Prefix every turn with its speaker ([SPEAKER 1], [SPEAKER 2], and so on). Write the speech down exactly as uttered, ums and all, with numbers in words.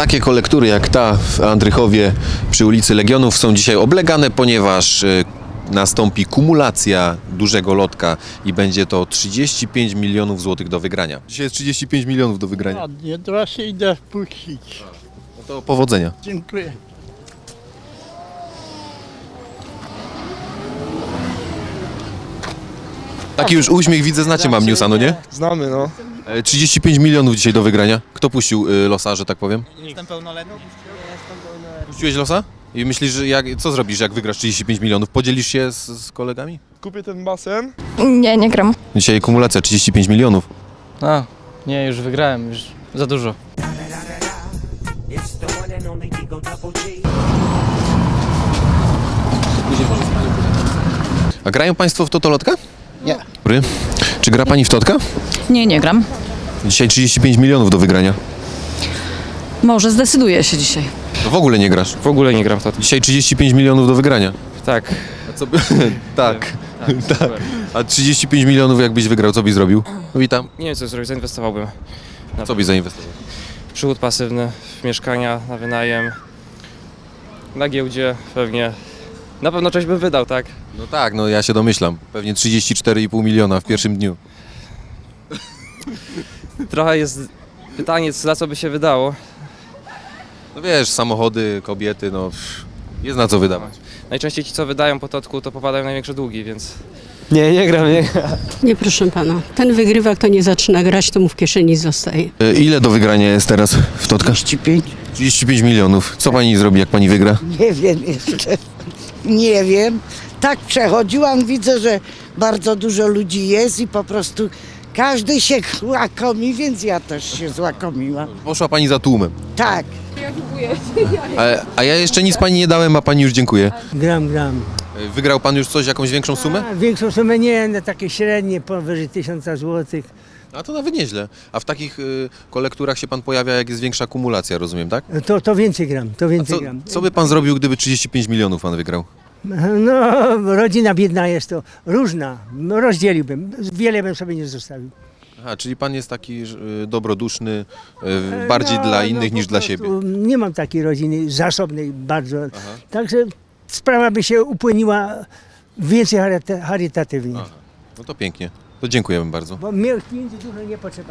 [SPEAKER 1] Takie kolektury jak ta w Andrychowie przy ulicy Legionów są dzisiaj oblegane, ponieważ y, nastąpi kumulacja dużego lotka i będzie to trzydzieści pięć milionów złotych do wygrania. Dzisiaj jest trzydzieści pięć milionów do wygrania.
[SPEAKER 2] Ładnie, teraz się idę puścić.
[SPEAKER 1] No to powodzenia.
[SPEAKER 2] Dziękuję.
[SPEAKER 1] Taki już uśmiech widzę, znacie Mam Newsa, no nie?
[SPEAKER 3] Znamy, no.
[SPEAKER 1] E, trzydzieści pięć milionów dzisiaj do wygrania. Kto puścił y, losa, że tak powiem?
[SPEAKER 4] Jestem pełnoletni.
[SPEAKER 1] Puściłeś losa? I myślisz, że jak, co zrobisz, jak wygrasz trzydzieści pięć milionów? Podzielisz się z, z kolegami?
[SPEAKER 3] Kupię ten basen.
[SPEAKER 5] Nie, nie gram.
[SPEAKER 1] Dzisiaj kumulacja trzydzieści pięć milionów.
[SPEAKER 4] A, nie, już wygrałem, już za dużo.
[SPEAKER 1] A grają Państwo w totolotka?
[SPEAKER 2] Nie.
[SPEAKER 1] Dobry. Czy gra Pani w totka?
[SPEAKER 6] Nie, nie gram.
[SPEAKER 1] Dzisiaj trzydzieści pięć milionów do wygrania.
[SPEAKER 6] Może zdecyduję się dzisiaj.
[SPEAKER 1] To w ogóle nie grasz.
[SPEAKER 4] W ogóle nie gram w to.
[SPEAKER 1] Dzisiaj trzydzieści pięć milionów do wygrania.
[SPEAKER 4] Tak.
[SPEAKER 1] A co by... tak.
[SPEAKER 4] Tak, super.
[SPEAKER 1] A trzydzieści pięć milionów jakbyś wygrał, co byś zrobił? No witam.
[SPEAKER 4] Nie wiem co zrobić, zainwestowałbym.
[SPEAKER 1] Co byś zainwestował?
[SPEAKER 4] W przychód pasywny, w mieszkania na wynajem, na giełdzie pewnie. Na pewno coś bym wydał, tak?
[SPEAKER 1] No tak, no ja się domyślam. Pewnie trzydzieści cztery i pół miliona w pierwszym dniu.
[SPEAKER 4] Trochę jest pytanie, za co by się wydało.
[SPEAKER 1] No wiesz, samochody, kobiety, no jest na co wydawać.
[SPEAKER 4] Najczęściej ci, co wydają po totku, to popadają w największe długi, więc...
[SPEAKER 3] Nie, nie gram, nie.
[SPEAKER 7] Nie, proszę pana. Ten wygrywa, kto nie zaczyna grać, to mu w kieszeni zostaje.
[SPEAKER 1] E, Ile do wygrania jest teraz w totkach?
[SPEAKER 8] trzydzieści pięć?
[SPEAKER 1] trzydzieści pięć milionów. Co Pani zrobi, jak Pani wygra?
[SPEAKER 8] Nie wiem jeszcze. Nie wiem. Tak przechodziłam, widzę, że bardzo dużo ludzi jest i po prostu każdy się łakomi, więc ja też się złakomiłam.
[SPEAKER 1] Poszła Pani za tłumem.
[SPEAKER 8] Tak.
[SPEAKER 1] A, a ja jeszcze nic Pani nie dałem, a Pani już dziękuję.
[SPEAKER 9] Gram, gram.
[SPEAKER 1] E, Wygrał Pan już coś, jakąś większą sumę?
[SPEAKER 9] A, większą sumę nie, no takie średnie, powyżej tysiąca złotych.
[SPEAKER 1] A to nawet nieźle. A w takich y, kolekturach się Pan pojawia, jak jest większa kumulacja, rozumiem, tak?
[SPEAKER 9] To, to więcej gram, to
[SPEAKER 1] A
[SPEAKER 9] więcej
[SPEAKER 1] co,
[SPEAKER 9] gram.
[SPEAKER 1] co by Pan zrobił, gdyby trzydzieści pięć milionów Pan wygrał?
[SPEAKER 9] No, rodzina biedna jest to różna. No, rozdzieliłbym, wiele bym sobie nie zostawił.
[SPEAKER 1] Aha, czyli Pan jest taki y, dobroduszny, y, bardziej
[SPEAKER 9] No,
[SPEAKER 1] dla
[SPEAKER 9] no,
[SPEAKER 1] innych
[SPEAKER 9] po
[SPEAKER 1] niż dla
[SPEAKER 9] prostu
[SPEAKER 1] siebie.
[SPEAKER 9] Nie mam takiej rodziny zasobnej bardzo. Także sprawa by się upłyniła więcej charyta- charytatywnie.
[SPEAKER 1] Aha. No to pięknie. To dziękujemy bardzo.
[SPEAKER 9] Bo mnie pieniędzy dużo nie potrzeba.